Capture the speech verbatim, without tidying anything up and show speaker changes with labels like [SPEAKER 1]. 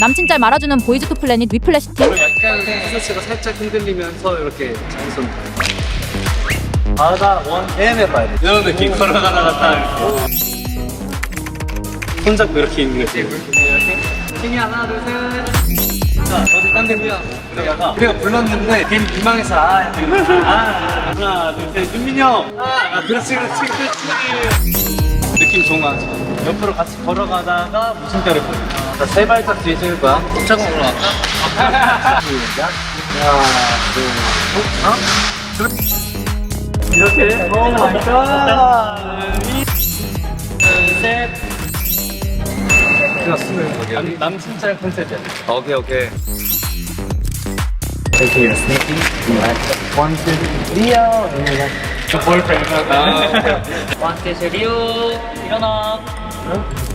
[SPEAKER 1] 남친 짤 말아주는 보이즈 투 플래닛 위플래시 팀.
[SPEAKER 2] 약간 티셔츠가 살짝 흔들리면서 이렇게 장손 바다 원 앤 해봐야 돼. 이런 느낌 걸어가다가 딱 이렇게 손잡고 이렇게 있는 거지. 이렇게 힘이 하나 둘셋 자 어디 딴 데고요. 그러다가 우리가 불렀는데 괜히 민망해서 아, 아 하나 둘셋 윤민이 형 아, 아 그렇지 그렇지 그렇지 느낌 좋은 거 같죠. 옆으로 같이 걸어가다가 무슨 때를 보여. 자, 세 발짝 뒤에 찍을 거야. 꼼짝으로 갈까? 시작. 하나, 둘, 셋. 어? 이렇게. 오 마이 갓. 둘, 셋. 남, 남친 짤 컨셉이야. 오케이, 오케이. Take your sneaky. One, two, three. Your boyfriend. One, two, three. 일어나. 응?